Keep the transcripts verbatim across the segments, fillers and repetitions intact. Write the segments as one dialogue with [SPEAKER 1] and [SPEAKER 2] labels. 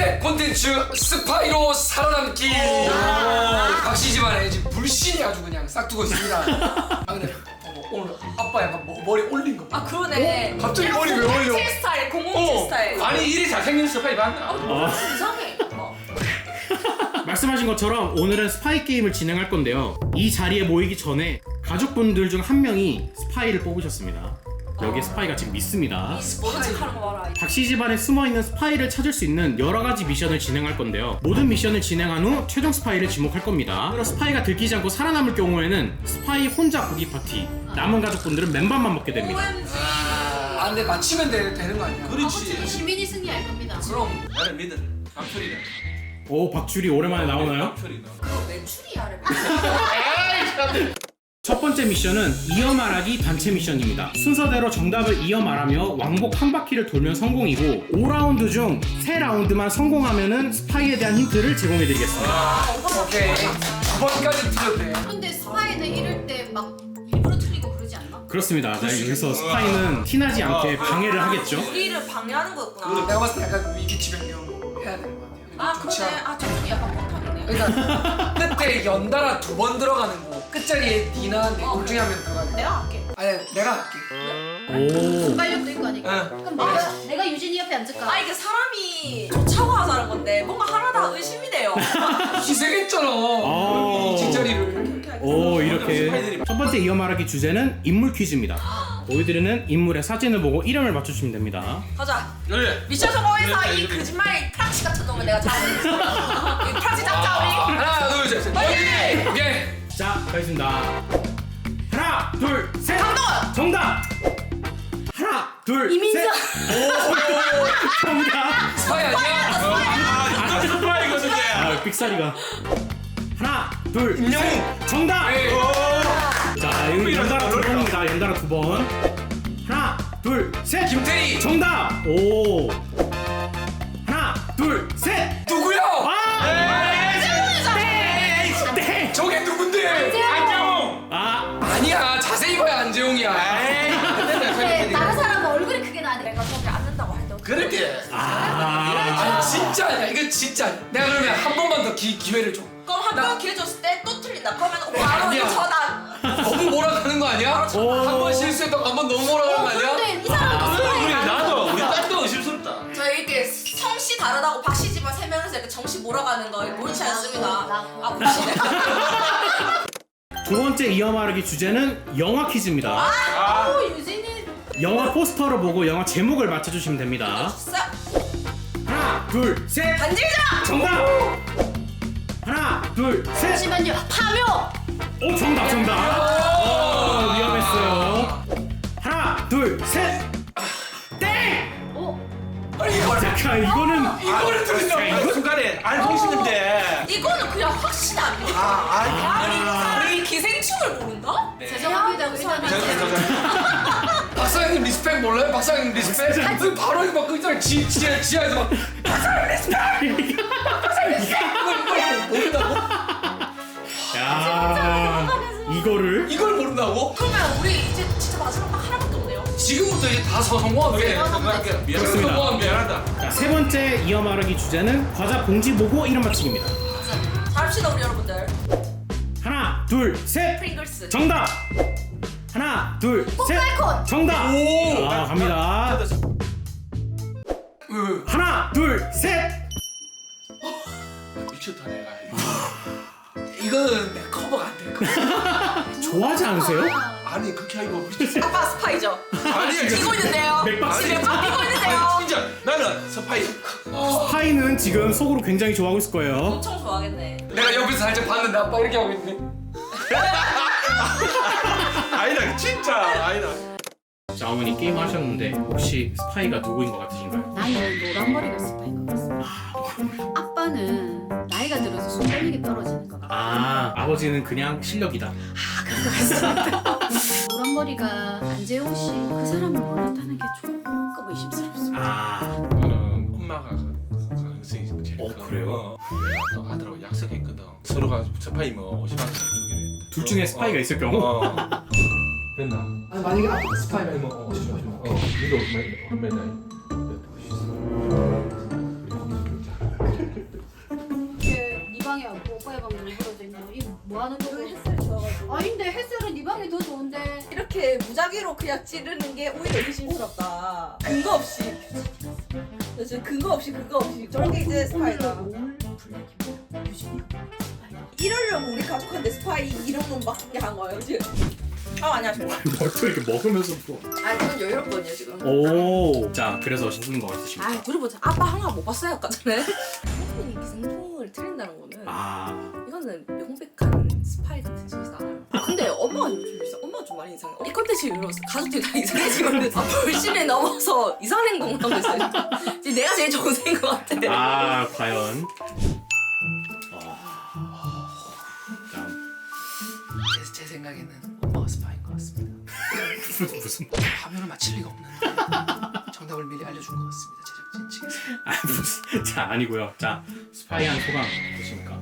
[SPEAKER 1] 번째 콘텐츠 스파이로 살아남기. 박씨 집안에 지금 불신이 아주 그냥 싹두고 있습니다. 아 근데 어머, 오늘 아빠 약간 뭐, 머리 올린 거 봐.
[SPEAKER 2] 아 그러네.
[SPEAKER 1] 어? 갑자기 머리 왜 올려?
[SPEAKER 2] 칠 스타일, 공공칠 스타일.
[SPEAKER 3] 아니 이리 잘생긴 스파이 봤나?
[SPEAKER 2] 어, 이상해. 어.
[SPEAKER 4] 말씀하신 것처럼 오늘은 스파이 게임을 진행할 건데요. 이 자리에 모이기 전에 가족분들 중 한 명이 스파이를 뽑으셨습니다. 여기에 스파이가 지금 있습니다.
[SPEAKER 2] 모른 척하는 거 봐라.
[SPEAKER 4] 박씨 집안에 숨어있는 스파이를 찾을 수 있는 여러 가지 미션을 진행할 건데요. 모든 미션을 진행한 후 최종 스파이를 지목할 겁니다. 그리고 스파이가 들키지 않고 살아남을 경우에는 스파이 혼자 고기 파티, 남은 가족분들은 맨밥만 먹게 됩니다.
[SPEAKER 2] 오엠지.
[SPEAKER 1] 아 근데 맞히면 되, 되는 거 아니야?
[SPEAKER 3] 그렇지.
[SPEAKER 5] 시민이 승리할 겁니다.
[SPEAKER 1] 그럼
[SPEAKER 3] 나를 믿어. 강철이다.
[SPEAKER 4] 오, 박주리 오랜만에 나오나요?
[SPEAKER 3] 강철이다.
[SPEAKER 2] 그거 매출이야를.
[SPEAKER 4] 첫 번째 미션은 이어 말하기 단체 미션입니다. 순서대로 정답을 이어 말하며 왕복 한 바퀴를 돌면 성공이고 오 라운드 중 세 라운드만 성공하면은 스파이에 대한 힌트를 제공해드리겠습니다.
[SPEAKER 1] 아 오케이 두 번까지 틀려도 돼.
[SPEAKER 5] 근데 스파이는 이럴 때 막 일부러 틀리고 그러지 않나?
[SPEAKER 4] 그렇습니다. 자, 여기서 스파이는 티나지 않게 방해를 하겠죠.
[SPEAKER 2] 우리를 방해하는 거였구나.
[SPEAKER 1] 내가 봤을 때 약간 위기치 변경 해야 되는 거 같아요.
[SPEAKER 2] 아
[SPEAKER 1] 그쵸?
[SPEAKER 2] 그러네. 아 저분이 약간 못하겠네.
[SPEAKER 1] 그러니까 끝에 연달아 두 번 들어가는 거 끝자리에 니나 내둘 중에 한 명 들어가야 돼.
[SPEAKER 2] 내가 할게.
[SPEAKER 1] 아니 내가 할게.
[SPEAKER 4] 오.
[SPEAKER 5] 순발력도 있고 하니까.
[SPEAKER 1] 응.
[SPEAKER 5] 그럼 내가, 내가 유진이 옆에 앉을까?
[SPEAKER 2] 아 이게 사람이 좋자고 하자는 건데 뭔가 하나 다 의심이 돼요.
[SPEAKER 1] 희생했잖아.
[SPEAKER 4] 어.
[SPEAKER 1] 이 뒷자리를.
[SPEAKER 4] 오, 이렇게 첫 번째 이어 말하기 주제는 인물 퀴즈입니다. 보여드리는 인물의 사진을 보고 이름을 맞추시면 됩니다.
[SPEAKER 2] 가자.
[SPEAKER 3] 그래.
[SPEAKER 2] 미션 성공해서
[SPEAKER 3] 그래,
[SPEAKER 2] 이
[SPEAKER 3] 그래.
[SPEAKER 2] 거짓말 프락시 같은 놈을 내가 잡아내겠어. 이 프락시 잡자 우리.
[SPEAKER 1] 하나 둘 셋. 셋.
[SPEAKER 2] 오케이.
[SPEAKER 1] 오케이.
[SPEAKER 4] 자, 가겠습니다. 하나, 둘, 셋.
[SPEAKER 2] 강동원.
[SPEAKER 4] 정답. 하나, 둘,
[SPEAKER 5] 이민정.
[SPEAKER 4] 셋. 오, 정답.
[SPEAKER 1] 스파이 아니야?
[SPEAKER 3] 아 이거 스파이거든요.
[SPEAKER 4] 아, 삑사리가. 하나, 둘,
[SPEAKER 1] 임영웅.
[SPEAKER 4] 셋. 정답.
[SPEAKER 1] 네.
[SPEAKER 4] 자, 여기 연달아 두 번입니다. 연달아 두 번. 하나, 둘, 셋.
[SPEAKER 1] 김태희.
[SPEAKER 4] 정답. 오. 하나, 둘, 셋.
[SPEAKER 1] 누구야?
[SPEAKER 4] 아! 네.
[SPEAKER 1] 저게 누군데?
[SPEAKER 3] 안녕.
[SPEAKER 4] 아,
[SPEAKER 1] 아니야 자세히 봐야 안재홍이야.
[SPEAKER 5] 근데 다른 사람 얼굴이 크게 나네.
[SPEAKER 2] 내가 저기 앉는다고 할 때.
[SPEAKER 3] 그렇게.
[SPEAKER 4] 아.
[SPEAKER 1] 아니 진짜 아니야 이거 진짜 아니야. 내가 그러면 한 번만 더 기, 기회를 줘.
[SPEAKER 2] 그럼 한
[SPEAKER 1] 나-
[SPEAKER 2] 번 기회 줬을 때 또 틀린다. 그러면 바로
[SPEAKER 1] 아니야.
[SPEAKER 2] 이거 전환.
[SPEAKER 1] 너무 몰아가는 거 아니야?
[SPEAKER 4] 오.
[SPEAKER 1] 한 번 실수했다고 한 번 너무 몰아가는 거 아니야?
[SPEAKER 5] 근데 이 사람도
[SPEAKER 3] 우리
[SPEAKER 5] 스파이가
[SPEAKER 3] 나도 우리 딸도 의심스럽다.
[SPEAKER 2] 저희 이렇게 성씨 다르다고 박씨 집안 세 명이서 이렇게 정씨 몰아가는 거 모르지 않습니다. 아 보시네.
[SPEAKER 4] 두 번째 이어 말하기 주제는 영화 퀴즈입니다.
[SPEAKER 3] 아.
[SPEAKER 5] 오, 유진이.
[SPEAKER 4] 영화 포스터를 보고 영화 제목을 맞춰주시면 됩니다.
[SPEAKER 2] 싹
[SPEAKER 4] 하나, 둘, 셋.
[SPEAKER 2] 반질자.
[SPEAKER 4] 정답. 하나, 둘, 셋.
[SPEAKER 5] 잠시만요. 파묘.
[SPEAKER 4] 오, 정답, 정답. 어, 위험했어요. 하나, 둘, 셋. 땡.
[SPEAKER 5] 오.
[SPEAKER 1] 아니 이걸
[SPEAKER 4] 잠깐, 이거는
[SPEAKER 1] 이거를 들으냐고.
[SPEAKER 3] 이 순간에 알고 있는데.
[SPEAKER 2] 이거는 그냥 확신 아닙니까?
[SPEAKER 3] 아,
[SPEAKER 2] 아니 이 사람이 기생충을 모른다?
[SPEAKER 5] 죄송합니다. 의사님.
[SPEAKER 1] 박사님 리스펙 몰라요? 박사님 리스펙? 그 바로 이거 막그 있잖아 지, 지하, 지하에서 막 박사님 리스펙! 박사님 리스펙! 이걸, 이걸 모른다고?
[SPEAKER 4] 야, 이거를
[SPEAKER 1] 이걸 모른다고?
[SPEAKER 2] 그러면 우리 이제 진짜 마지막 딱 하나밖에 없네요.
[SPEAKER 1] 지금부터 이제 다 서- 성공하면
[SPEAKER 3] 그래.
[SPEAKER 1] 돼.
[SPEAKER 3] 건강할게.
[SPEAKER 4] 그렇습니다.
[SPEAKER 3] 미안하다. 미안하다.
[SPEAKER 4] 자, 세 번째 이어 말하기 주제는 과자 봉지 보고 이름 맞히기입니다.
[SPEAKER 2] 잘합시다 우리 여러분들.
[SPEAKER 4] 하나, 둘, 셋.
[SPEAKER 2] 프링글스.
[SPEAKER 4] 정답. 하나, 둘, 셋.
[SPEAKER 5] 뽀플콘.
[SPEAKER 4] 정답.
[SPEAKER 1] 오!
[SPEAKER 4] 아, 갑니다.
[SPEAKER 1] 왜,
[SPEAKER 4] 하나, 둘, 셋.
[SPEAKER 3] 미쳤다 내가.
[SPEAKER 1] 이거는 내 커버가 안 될 거야.
[SPEAKER 4] 좋아하지 않으세요?
[SPEAKER 3] 아니 그렇게 하기고 미쳤어.
[SPEAKER 2] 아빠 스파이죠?
[SPEAKER 3] 아니
[SPEAKER 2] 뛰고 있는데요.
[SPEAKER 4] 맥박스.
[SPEAKER 2] 집에 막 뛰고 있는데요.
[SPEAKER 3] 아니 진짜 나는 스파이.
[SPEAKER 4] 스파이는 지금 속으로 굉장히 좋아하고 있을 거예요.
[SPEAKER 2] 엄청 좋아하겠네.
[SPEAKER 1] 내가 옆에서 살짝 봤는데 아빠 이렇게 하고 있네.
[SPEAKER 3] 아니다 진짜 아니다.
[SPEAKER 4] 자, 어머니 게임 하셨는데 혹시 스파이가 누구인 것 같으신가요?
[SPEAKER 5] 나는 노란머리가 스파인 것 같습니다. 아빠는 나이가 들어서 순발력이 떨어지는 것 같아.
[SPEAKER 4] 아, 아버지는 그냥 실력이다.
[SPEAKER 5] 노란머리가 안재홍 씨 그 사람을 몰랐다는 게 조금 의심스럽습니다.
[SPEAKER 4] 아,
[SPEAKER 3] 저는 엄마가 가능성이 제일
[SPEAKER 4] 어,
[SPEAKER 3] 큰
[SPEAKER 4] 그래요?
[SPEAKER 3] 거. 또 아들하고 약속했거든. 서로가 스파이 뭐 오십만 원 주기로 했대.
[SPEAKER 4] 둘 중에 스파이가 있을 경우?
[SPEAKER 3] 어. 됐나?
[SPEAKER 1] 아니 만약에 아빠가 스파이가
[SPEAKER 3] 뭐 어, 오십만 원. 어, 이거 얼마 얼마나?
[SPEAKER 5] 방 누구라도 있고 이거 뭐 하는 거고?
[SPEAKER 2] 여기 햇살 좋아가지고.
[SPEAKER 5] 아닌데 햇살은 네 방이 더 좋은데.
[SPEAKER 2] 이렇게 무작위로 그냥 찌르는 게 오히려 의심스럽다. 근거 없이. 나 지금 근거 없이 근거 없이. 저게 이제 스파이다. 이러려고 우리 가족한테 스파이 이름은 맡게 한 거예요 지금. 아 안녕하십니까.
[SPEAKER 4] 뭘또 이렇게 먹으면서 또.
[SPEAKER 2] 아 이건 여유롭거든요 지금.
[SPEAKER 4] 오. 자, 그래서 무슨 거 있으십니까?
[SPEAKER 2] 아 그리고 아빠 하나 못 봤어요 아까 전에. 충분히 기생충을 틀린다는 거는
[SPEAKER 4] 아.
[SPEAKER 2] 이거는 명백한 스파이 같은 짓이다. 근데 엄마가 좀 이상, 엄마가 좀 많이 이상해. 이 컨텐츠 이후로 가족들이 다 이상해지거든. 아, 벌심에 넘어서 이상한 행동을 하고 있어요. 지금 내가 제일 정세인 것 같아.
[SPEAKER 4] 아, 과연. 아. 자,
[SPEAKER 1] 제, 제 생각에는 엄마가 스파인 것 같습니다.
[SPEAKER 4] 무슨 무슨.
[SPEAKER 1] 화면을 맞힐 리가 없는데 정답을 미리 알려준 것 같습니다. 제작진 측에서.
[SPEAKER 4] 아, 무슨. 자, 아니고요. 자, 스파이한 소감 어떠십니까?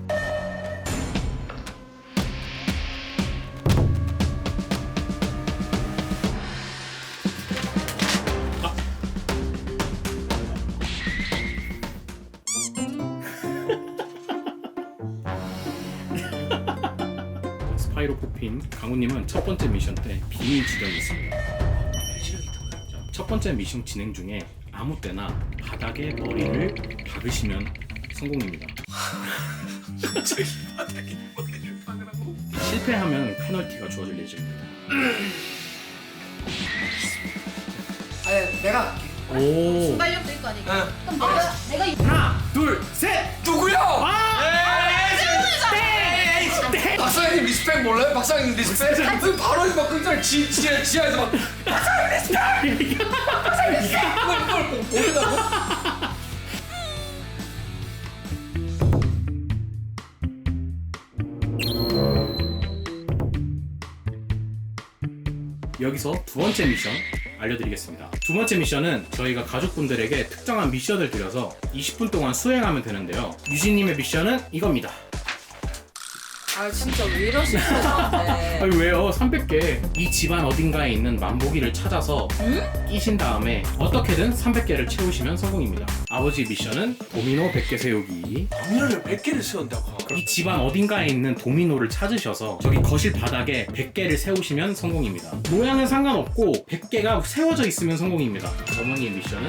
[SPEAKER 4] 스파이로 뽑힌 강우님은 첫 번째 미션 때 비밀 지령이 있습니다.
[SPEAKER 1] 실력이 있던 거예요.
[SPEAKER 4] 자, 첫 번째 미션 진행 중에 아무 때나 바닥에 머리를 박으시면 성공입니다.
[SPEAKER 1] 갑자기 바닥에 머리를 박으라고?
[SPEAKER 4] 실패하면 페널티가 주어질 예정입니다.
[SPEAKER 1] 아니 내가 할게.
[SPEAKER 4] 오.
[SPEAKER 5] 순발력도 있고 하니까.
[SPEAKER 1] 응.
[SPEAKER 5] 그럼 내가 내가 이-
[SPEAKER 4] 하나, 둘, 셋.
[SPEAKER 1] 누구야?
[SPEAKER 4] 아!
[SPEAKER 1] 박사님 리스펙 몰라요? 박사님 리스펙? 그 바로 막 굉장히 지, 지, 지하에서 막 박사님 리스펙! 박사님 리스펙! 이걸 이걸 꼭 보인다고?
[SPEAKER 4] 여기서 두 번째 미션 알려드리겠습니다. 두 번째 미션은 저희가 가족분들에게 특정한 미션을 드려서 이십 분 동안 수행하면 되는데요. 유진님의 미션은 이겁니다.
[SPEAKER 2] 아 진짜 왜 이러시는 거야 나한테.
[SPEAKER 4] 아니 왜요? 삼백 개. 이 집안 어딘가에 있는 만보기를 찾아서 끼신 다음에 어떻게든 삼백 개를 채우시면 성공입니다. 아버지 미션은 도미노 백 개 세우기.
[SPEAKER 3] 도미노를 백 개를 세운다고.
[SPEAKER 4] 이 집안 어딘가에 있는 도미노를 찾으셔서 저기 거실 바닥에 백 개를 세우시면 성공입니다. 모양은 상관없고 백 개가 세워져 있으면 성공입니다. 어머니의 미션은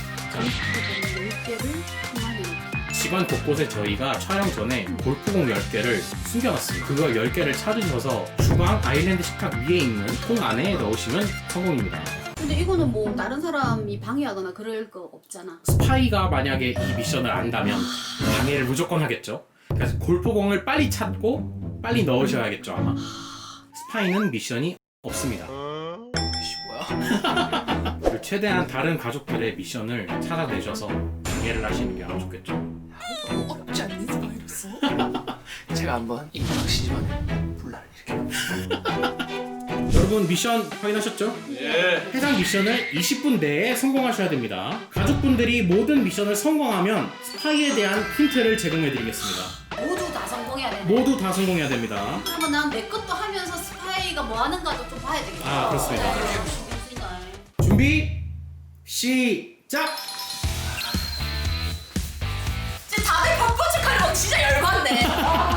[SPEAKER 5] 열 개를 통하는.
[SPEAKER 4] 집안 곳곳에 저희가 촬영 전에 골프공 열 개를 숨겨놨습니다. 그거 열 개를 찾으셔서 주방 아일랜드 식탁 위에 있는 통 안에 넣으시면 성공입니다.
[SPEAKER 5] 근데 이거는 뭐 다른 사람이 방해하거나 그럴 거 없잖아.
[SPEAKER 4] 스파이가 만약에 이 미션을 안다면 방해를 무조건 하겠죠. 그래서 골프공을 빨리 찾고 빨리 넣으셔야겠죠 아마. 스파이는 미션이 없습니다.
[SPEAKER 1] 이씨 뭐야?
[SPEAKER 4] 그리고 최대한 다른 가족들의 미션을 찾아내셔서 방해를 하시는 게 아주 좋겠죠.
[SPEAKER 1] 없지 않는 스파이로서 제가 한번 이 박씨 집안에 분란을 일으켜.
[SPEAKER 4] 여러분 미션 확인하셨죠?
[SPEAKER 3] 예.
[SPEAKER 4] 해당 미션을 이십 분 내에 성공하셔야 됩니다. 가족분들이 모든 미션을 성공하면 스파이에 대한 힌트를 제공해드리겠습니다.
[SPEAKER 5] 모두 다 성공해야 되네.
[SPEAKER 4] 모두 다 성공해야 됩니다.
[SPEAKER 5] 그러면 난 내 것도 하면서 스파이가 뭐 하는가도 좀 봐야 되겠다.
[SPEAKER 4] 아, 그렇습니다.
[SPEAKER 5] 네, 신경 쓰니까.
[SPEAKER 4] 준비 시작!
[SPEAKER 2] 진짜 다들 바쁜 척하려고 진짜 열받네.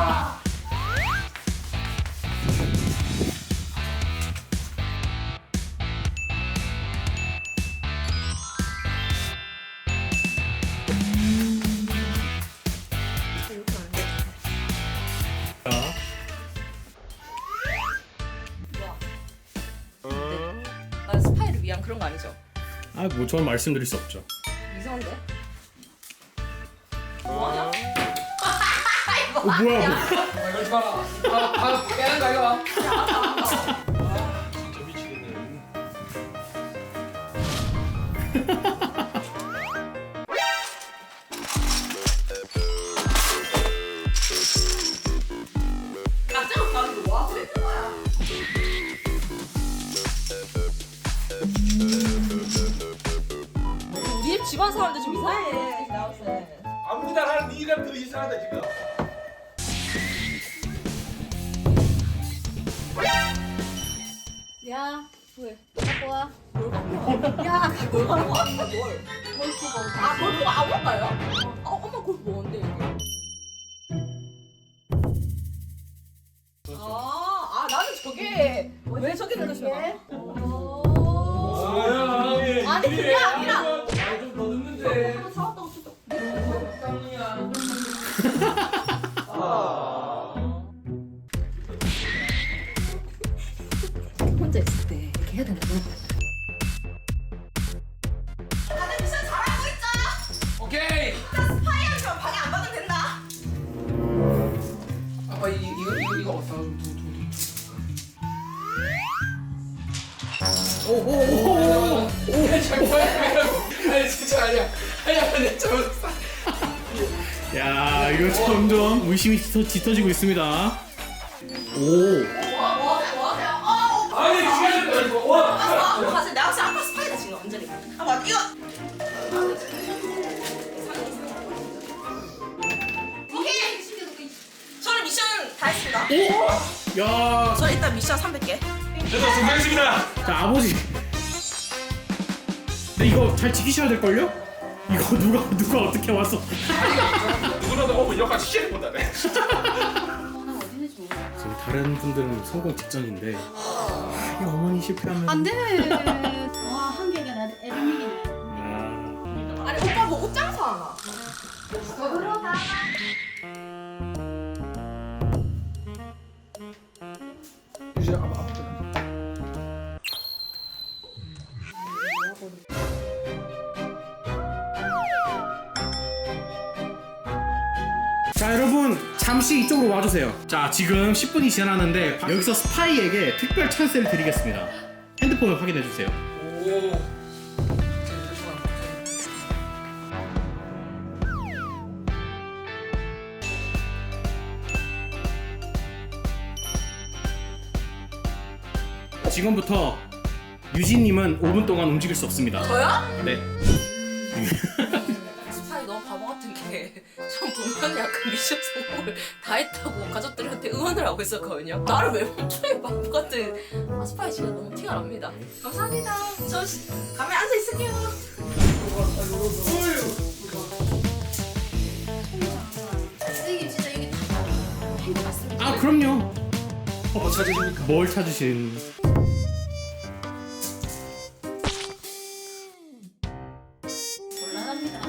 [SPEAKER 4] 자,
[SPEAKER 2] 난 스파이를 위한 그런 거 아니죠?
[SPEAKER 4] 아, 뭐 전 말씀드릴 수 없죠.
[SPEAKER 2] 이상한데? 뭐하냐?
[SPEAKER 4] 어, 뭐야?
[SPEAKER 1] 아, 이러지 마라. 아, 아, 빼는 거 이거.
[SPEAKER 3] 진짜 미치겠네.
[SPEAKER 2] 깜짝 놀라는 거 와? 그랬던 거야. 우리 집 집안 사람들 좀 이상해. 나왔어요.
[SPEAKER 3] 아무나 하는 네가 더 이상하다 지금.
[SPEAKER 5] 야,
[SPEAKER 2] 왜?
[SPEAKER 5] 갖고 와.
[SPEAKER 2] 뭘 갖고 와? 야, 뭘 갖고 와? 뭘?
[SPEAKER 5] 골프공.
[SPEAKER 2] 아, 골프 아무거요? 어, 엄마 골프 뭔데 이게? 생각해.
[SPEAKER 1] 아니
[SPEAKER 2] 그게 아니라.
[SPEAKER 1] 좀더 늦는데.
[SPEAKER 2] 사왔다고 쳤다. 혼자 있을 때 이렇게 해야 된다. 다들 미션 잘하고 있죠?
[SPEAKER 1] 오케이.
[SPEAKER 2] 스파이어처럼 방해 안 받으면 된다.
[SPEAKER 1] 아빠 이 이거 이거 이거 어디다 좀 두- 두-
[SPEAKER 4] 오오오오.
[SPEAKER 1] 두- 잠깐만. 아니 진짜 아니야. 아니야 아니야 잘못했어.
[SPEAKER 4] 야 이거 점점 의심이 짙어, 짙어지고 있습니다. 오.
[SPEAKER 1] 아니 시간 좀 이거. 와.
[SPEAKER 2] 아, 사실 내가 확실히 아빠 스파이다 지금 완전히. 아 맞 이거. 오케이. 저는 미션 다 했습니다.
[SPEAKER 4] 야.
[SPEAKER 2] 저 일단 미션 삼백 개.
[SPEAKER 3] 저도 성공했습니다.
[SPEAKER 4] 자 아버지. 근데 이거 잘 지키셔야 될 걸요? 이거 누가 누가 어떻게 왔어?
[SPEAKER 3] 누구라도 오면 여기까지 시작해 본다네.
[SPEAKER 5] 하나 어디 있는지 모르겠어.
[SPEAKER 4] 지금 다른 분들은 성공 직전인데 이 어머니 실패하면.
[SPEAKER 5] 안 돼. 와, 한 개가 나 에르믹이네.
[SPEAKER 4] 야.
[SPEAKER 2] 아니 오빠 뭐 옷장 사나?
[SPEAKER 1] 이제 아빠 아빠.
[SPEAKER 4] 자 여러분 잠시 이쪽으로 와주세요. 자 지금 십 분이 지났는데 여기서 스파이에게 특별 찬스를 드리겠습니다. 핸드폰을 확인해 주세요.
[SPEAKER 1] 오.
[SPEAKER 4] 지금부터 유진님은 오 분 동안 움직일 수 없습니다.
[SPEAKER 2] 저요?
[SPEAKER 4] 네.
[SPEAKER 2] 스파이 너무 바보 같은 게 전 분명히 아까 미션 성공을 다 했다고 가족들한테 응원을 하고 있었거든요. 나를 왜 멈춰요 바보 같은. 아 스파이 진짜 너무 티가 납니다. 감사합니다. 저 시- 가만히 앉아 있을게요.
[SPEAKER 5] 선생님 진짜 여기 행복 같습니다.
[SPEAKER 4] 아 그럼요.
[SPEAKER 1] 뭐 찾으십니까?
[SPEAKER 4] 뭘 찾으신?
[SPEAKER 5] 곤란합니다.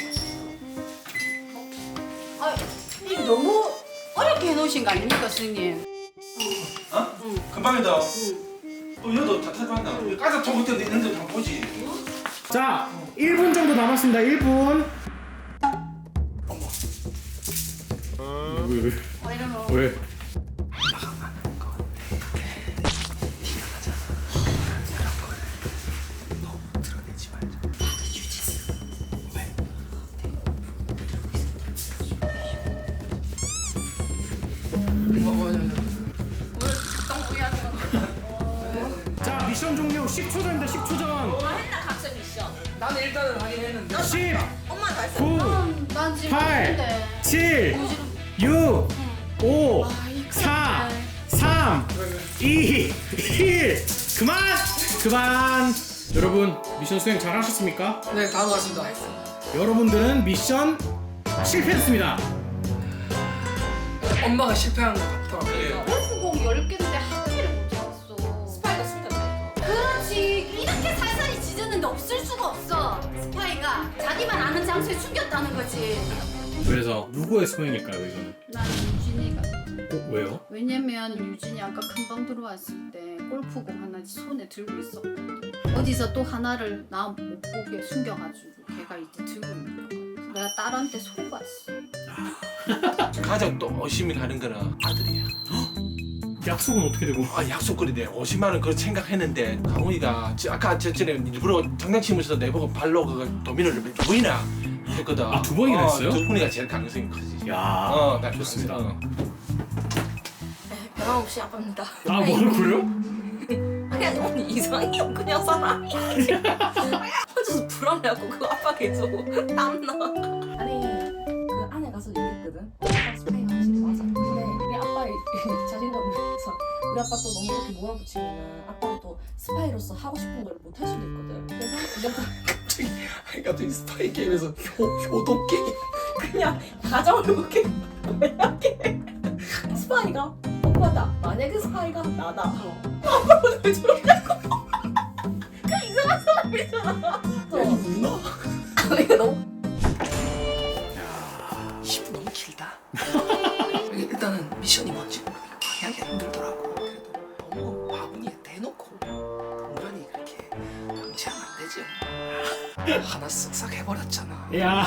[SPEAKER 5] 아, 이거 너무 어렵게 해놓으신 거 아닙니까, 선생님?
[SPEAKER 3] 어? 금방이다. 또 여도 다 탈만다. 가서 통 그때 있는데 다 보지.
[SPEAKER 4] 자 일 분 정도 남았습니다. 일 분. 왜 왜?
[SPEAKER 5] 어, 이러면
[SPEAKER 4] 왜? 자 미션 종료 십 초 전입니다. 십 초 전.
[SPEAKER 2] 뭐 했나 각자 미션.
[SPEAKER 1] 나는 일단은 하긴 했는데.
[SPEAKER 4] 십,
[SPEAKER 2] 엄마 다 했어.
[SPEAKER 4] 구,
[SPEAKER 5] 음, 난 지금
[SPEAKER 4] 팔,
[SPEAKER 5] 근데
[SPEAKER 4] 칠,
[SPEAKER 5] 요즘
[SPEAKER 4] 육, 오,
[SPEAKER 5] 아, 이거
[SPEAKER 4] 사,
[SPEAKER 5] 진짜.
[SPEAKER 4] 삼, 이, 일. 그만! 그만! 여러분 미션 수행 잘 하셨습니까?
[SPEAKER 1] 네, 다 왔습니다.
[SPEAKER 4] 여러분들은 미션 실패했습니다.
[SPEAKER 1] 엄마가 실패한 것 같더라고요.
[SPEAKER 5] 골프공 열 개인데 한 개를 못 잡았어.
[SPEAKER 2] 스파이가 숨겼다.
[SPEAKER 5] 그렇지. 이렇게 살살이 짖었는데 없을 수가 없어. 스파이가 자기만 아는 장소에 숨겼다는 거지.
[SPEAKER 4] 그래서 누구의 소행일까요 이거는?
[SPEAKER 5] 난 유진이가.
[SPEAKER 4] 어, 왜요?
[SPEAKER 5] 왜냐면 유진이 아까 금방 들어왔을 때 골프공 하나 손에 들고 있었거든. 어디서 또 하나를 나 못 보게 숨겨가지고 걔가 이제 들고 있는 거야. 내가 딸한테 속았어.
[SPEAKER 3] 가장 또 의심이 가는 거는 아들이야.
[SPEAKER 4] 약속은 어떻게 되고?
[SPEAKER 3] 아 약속거리네. 오십만 원 그거 생각했는데 강훈이가 지- 아까 저 전에 일부러 장난치면서 내보고 발로 그 도민을 두 번이나 했거든.
[SPEAKER 4] 아, 두 번이나
[SPEAKER 3] 어,
[SPEAKER 4] 했어요?
[SPEAKER 3] 두 번이가 제일 가능성이 크지.
[SPEAKER 4] 야,
[SPEAKER 3] 어, 나
[SPEAKER 4] 좋습니다.
[SPEAKER 3] 어.
[SPEAKER 2] 변함없이 아빠입니다.
[SPEAKER 4] 아, 뭘 그래요?
[SPEAKER 2] 아니 아니 언니 이상해요 그냥 사람이. 혼자서 불안해하고 그 아빠 계속 땀나. 아니 그 안에 가서 얘기했거든. 아빠 스파이가 확실히 맞아. 근데 우리 아빠의 자신감을 위해서 우리 아빠 또 너무 이렇게 몰아붙이면은 아빠가 또 스파이로서 하고 싶은 걸 못 할 수도 있거든. 그래서 이제부터
[SPEAKER 1] 아니 갑자기 스파이 게임에서 효, 효도 게임.
[SPEAKER 2] 그냥 가정을 그렇게 만약에 스파이가 오빠한테 스파이다. 만약에 스파이가 나다. 아빠는 왜 저러냐고. 그 이상한 사람이잖아.
[SPEAKER 1] 누나?
[SPEAKER 2] 아, 이거 너무.
[SPEAKER 1] 십 분 너무 길다. 일단은 미션이 뭔지 방향이 힘들더라고. 그래도 너무 바구니에 대놓고 동전이 그렇게 방치하면 안 되지. 하나 쓱싹 해버렸잖아.
[SPEAKER 4] 야.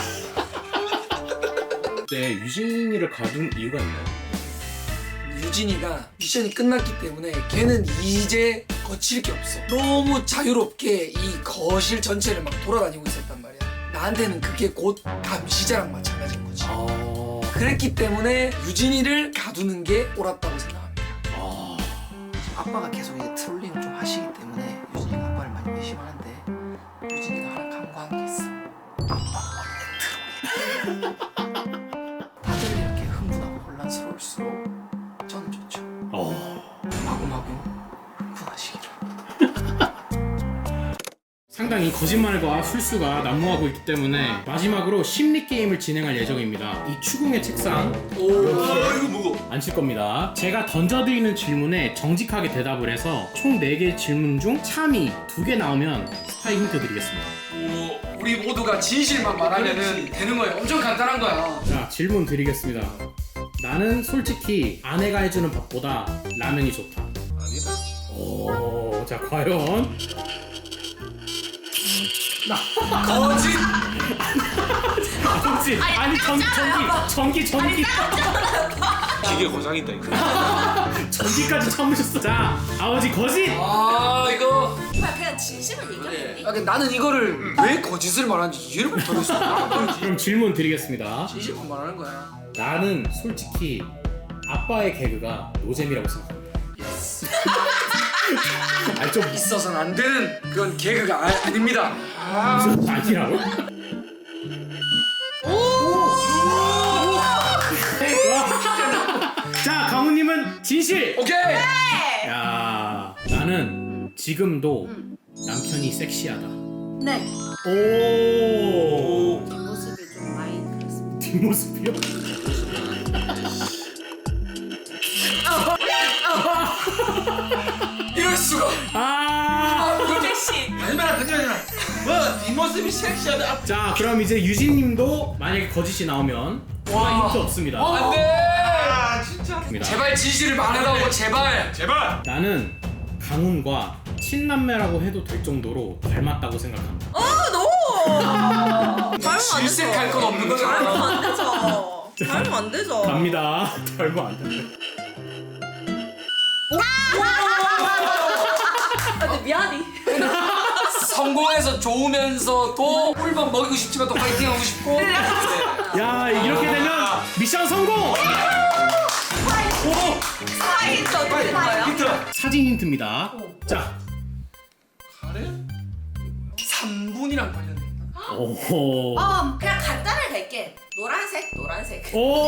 [SPEAKER 4] 네, 유진이를 가둔 이유가 있나요?
[SPEAKER 1] 유진이가 미션이 끝났기 때문에 걔는 이제 거칠 게 없어. 너무 자유롭게 이 거실 전체를 막 돌아다니고 있었단 말이야. 나한테는 그게 곧 감시자랑 마찬가지인 거지.
[SPEAKER 4] 아.
[SPEAKER 1] 그랬기 때문에 유진이를 가두는 게 옳았다고 생각합니다.
[SPEAKER 4] 아.
[SPEAKER 1] 아빠가 계속 이제 트롤링을 좀 하시기 때문에 유진이가 아빠를 많이 의심하는데 유진이가 하나 간과한 게 있어. 아빠가 원래 트롤이야. 다들 이렇게 흥분하고 혼란스러울수록 저는 좋죠.
[SPEAKER 4] 어.
[SPEAKER 1] 마구마구 흥분하시기를.
[SPEAKER 4] 상당히 거짓말과 술수가 난무하고 있기 때문에 마지막으로 심리 게임을 진행할 예정입니다. 이 추궁의 책상
[SPEAKER 1] 오,
[SPEAKER 3] 이거 뭐고?
[SPEAKER 4] 앉힐 겁니다. 제가 던져드리는 질문에 정직하게 대답을 해서 총 네 개 질문 중 참이 두 개 나오면 스파이 힌트 드리겠습니다.
[SPEAKER 1] 오, 우리 모두가 진실만 말하면은 되는 거예요. 엄청 간단한 거야.
[SPEAKER 4] 자, 질문 드리겠습니다. 나는 솔직히 아내가 해주는 밥보다 라면이 좋다.
[SPEAKER 3] 아니다.
[SPEAKER 4] 오, 자, 과연?
[SPEAKER 1] 거짓.
[SPEAKER 4] 아버지, 아니 전기, 전기, 전기, 전기,
[SPEAKER 3] 기계 고장이다 이거.
[SPEAKER 4] 전기까지 참으셨어. 자, 아버지 거짓.
[SPEAKER 1] 아 이거.
[SPEAKER 2] 오빠 그냥 진심을 얘기하겠니?
[SPEAKER 1] 아, 근데 나는 이거를 왜 거짓을 말하는지 이해를 못하겠어.
[SPEAKER 4] 그럼 질문 드리겠습니다.
[SPEAKER 1] 진실만 말하는 거야.
[SPEAKER 4] 나는 솔직히 아빠의 개그가 노잼이라고 생각합니다.
[SPEAKER 1] 예스.
[SPEAKER 4] 아니 좀
[SPEAKER 1] 있어서는 안 되는 그런 개그가 아, 아닙니다.
[SPEAKER 4] 무슨 아니라고? 자, 강우님은 진실.
[SPEAKER 1] 오케이.
[SPEAKER 4] 야, 나는 지금도 남편이 섹시하다.
[SPEAKER 5] 네.
[SPEAKER 4] 오,
[SPEAKER 5] 뒷모습이 좀 많이 그렇습니다.
[SPEAKER 4] 뒷모습이요?
[SPEAKER 1] 이럴 수가.
[SPEAKER 4] 아,
[SPEAKER 2] 섹시.
[SPEAKER 3] 얼마나 거짓말이야. 뭐 뒷모습이 섹시하다.
[SPEAKER 4] 자, 그럼 이제 유진님도 만약에 거짓이 나오면
[SPEAKER 1] 와.
[SPEAKER 4] 힌트 없습니다.
[SPEAKER 1] 안돼.
[SPEAKER 3] 아 진짜.
[SPEAKER 1] 제발 진실을 말해라고 제발.
[SPEAKER 3] 제발.
[SPEAKER 4] 나는 강훈과 친남매라고 해도 될 정도로 닮았다고 생각합니다.
[SPEAKER 2] 아 너무. 닮으면 안
[SPEAKER 1] 질색할
[SPEAKER 2] 되죠.
[SPEAKER 1] 건 없는 거잖아.
[SPEAKER 2] 닮으면 안 되죠. 닮으면 안 되죠.
[SPEAKER 4] 갑니다. 닮으면 안 돼.
[SPEAKER 2] 아, 근데 미안해.
[SPEAKER 1] 성공해서 좋으면서도 꿀밤 먹이고 싶지만 또 파이팅하고 싶고.
[SPEAKER 4] 야, 이렇게 되면 미션 성공!
[SPEAKER 2] 스파이 저 어떻게 된 거예요?
[SPEAKER 3] 힌트.
[SPEAKER 4] 사진 힌트입니다. 자,
[SPEAKER 3] 카레?
[SPEAKER 1] 삼 분이랑 관련돼 있나?
[SPEAKER 4] 오호.
[SPEAKER 2] 어 그냥 간단하게 갈게. 노란색 노란색.
[SPEAKER 4] 오.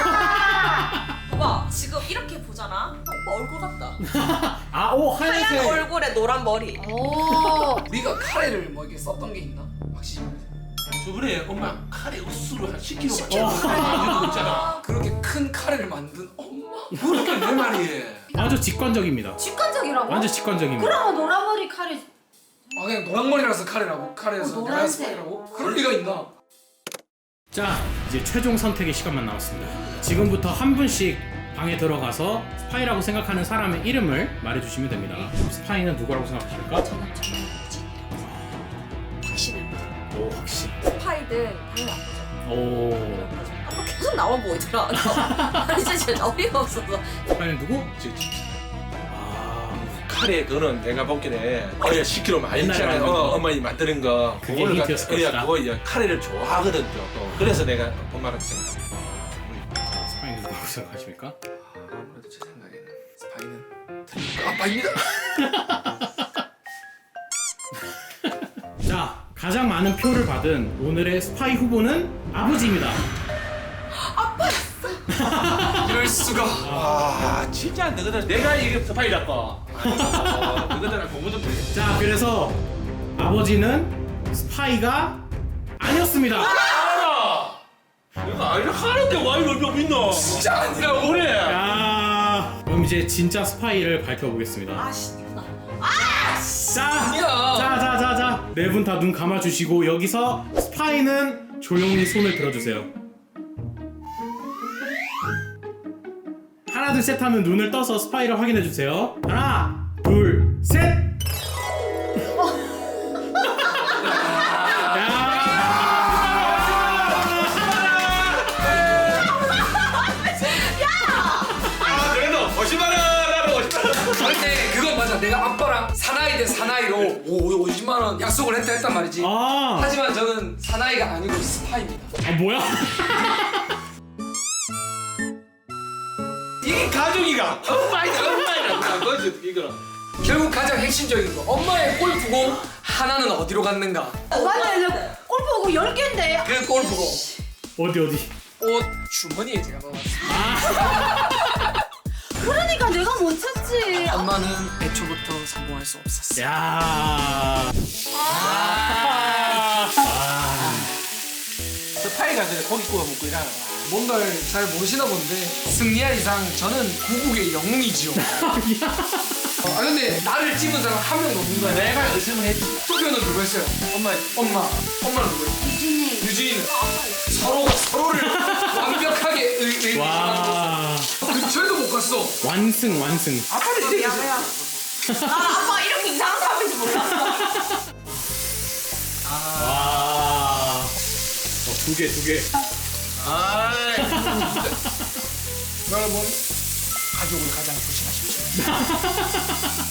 [SPEAKER 2] 오빠 지금 이렇게 보잖아. 오빠 얼굴 같다.
[SPEAKER 4] 아, 오,
[SPEAKER 2] 하얀
[SPEAKER 4] 하얀색.
[SPEAKER 2] 얼굴에 노란 머리.
[SPEAKER 5] 오.
[SPEAKER 1] 우리가 카레를 뭐 이렇게 썼던 게 있나? 확실히.
[SPEAKER 3] 저번에 엄마 카레 우스로 한 십 킬로그램
[SPEAKER 4] 어.
[SPEAKER 3] 맞췄어. 이거 있잖아.
[SPEAKER 1] 그렇게 큰 카레를 만든 엄마.
[SPEAKER 3] 그렇게 내 말이.
[SPEAKER 4] 아주 직관적입니다.
[SPEAKER 5] 직관적이라고?
[SPEAKER 4] 완전 직관적입니다.
[SPEAKER 5] 그럼 노란머리 칼이
[SPEAKER 1] 아 그냥 노랑머리라서 카레라고? 카레에서
[SPEAKER 5] 어,
[SPEAKER 1] 노란
[SPEAKER 5] 노란색.
[SPEAKER 1] 스파이라고? 그럴 리가 있나?
[SPEAKER 4] 자, 이제 최종 선택의 시간만 남았습니다. 지금부터 한 분씩 방에 들어가서 스파이라고 생각하는 사람의 이름을 말해주시면 됩니다. 스파이는 누구라고 생각하실까?
[SPEAKER 2] 저는 정말 확신합니다.
[SPEAKER 4] 오, 확실.
[SPEAKER 2] 스파이든 당연히 아프죠.
[SPEAKER 4] 오.
[SPEAKER 2] 아빠 계속 나만 보고 있더라. 아니 진짜 어이가 없어서.
[SPEAKER 4] 스파이는 누구?
[SPEAKER 3] 저, 저,
[SPEAKER 4] 아,
[SPEAKER 3] 카레 그거는 내가 보기에 어야 십 킬로그램 많이
[SPEAKER 4] 옛날에
[SPEAKER 3] 있잖아.
[SPEAKER 4] 만든 거.
[SPEAKER 3] 어, 어머니 만드는 거.
[SPEAKER 4] 그게
[SPEAKER 3] 그거를
[SPEAKER 4] 힌트였을
[SPEAKER 3] 갖다-
[SPEAKER 4] 것이다.
[SPEAKER 3] 어, 그거 야, 카레를 좋아하거든 또. 그래서 내가 엄마랑 생각.
[SPEAKER 4] 스파이는 누구라고 생각하십니까?
[SPEAKER 1] 아무래도 제 생각에는 스파이는 드림크 아빠입니다.
[SPEAKER 4] 자, 가장 많은 표를 받은 오늘의 스파이 후보는 아버지입니다.
[SPEAKER 1] 이럴 수가.
[SPEAKER 3] 아 진짜 안 되거든. 내가 이게 스파이라고. 아, 그거들 공부 좀 해.
[SPEAKER 4] 자, 그래서 아버지는 스파이가 아니었습니다.
[SPEAKER 3] 알아. 이거 아니라 하는데 와 이거 좀 있노.
[SPEAKER 1] 진짜 아니라고.
[SPEAKER 3] 그래.
[SPEAKER 4] 야, 그럼 이제 진짜 스파이를 밝혀보겠습니다.
[SPEAKER 2] 아씨.
[SPEAKER 4] 자, 자, 자, 자, 자. 네 분 다 눈 감아주시고 여기서 스파이는 조용히 손을 들어주세요. 하나, 둘, 셋 하면 눈을 떠서 스파이를 확인해주세요. 하나, 둘, 셋.
[SPEAKER 3] 아 그래도 오십만 원하고 오십만 원.
[SPEAKER 6] 근데 그건 맞아. 내가 아빠랑 사나이 대 사나이로 오, 오십만 원 약속을 했다 했단 말이지.
[SPEAKER 4] 아,
[SPEAKER 6] 하지만 저는 사나이가 아니고 스파입니다.
[SPEAKER 4] 아 뭐야?
[SPEAKER 3] 이게 가족이가 엄마이다 엄마이다 나 거지 어떻게 이거는.
[SPEAKER 6] 결국 가장 핵심적인 거. 엄마의 골프공 하나는 어디로 갔는가?
[SPEAKER 5] 맞아요. 골프공 열 개인데.
[SPEAKER 6] 그 골프공
[SPEAKER 4] 어디 어디?
[SPEAKER 6] 옷 주머니에 제가 넣어놨습니다.
[SPEAKER 5] 그러니까 내가 못 찾지.
[SPEAKER 6] 엄마는 애초부터 성공할 수 없었어.
[SPEAKER 4] 야.
[SPEAKER 3] 스파이가 그래 고기 구워 먹고 이러는 거야.
[SPEAKER 6] 뭔가를 잘 모르시나 본데 승리할 이상 저는 구국의 영웅이지요. 아 근데 나를 찝은 사람 한 명도 없는 거야.
[SPEAKER 3] 내가 의심을 했지.
[SPEAKER 6] 투표는 누구 했어요?
[SPEAKER 3] 엄마
[SPEAKER 6] 엄마. 엄마는 누구 했어?
[SPEAKER 5] 유진이.
[SPEAKER 6] 유진이는 서로가 서로를 완벽하게 의, 의,
[SPEAKER 4] 와.
[SPEAKER 6] 근처에도 못 갔어.
[SPEAKER 4] 완승 완승.
[SPEAKER 3] 아빠는 이제
[SPEAKER 2] 미안해요. 아 아빠 이렇게 이상한 사람인지 몰랐어.
[SPEAKER 4] 와. 어, 두 개, 두 개.
[SPEAKER 3] 아이
[SPEAKER 6] 여러분 가족을 가장 조심하십시오.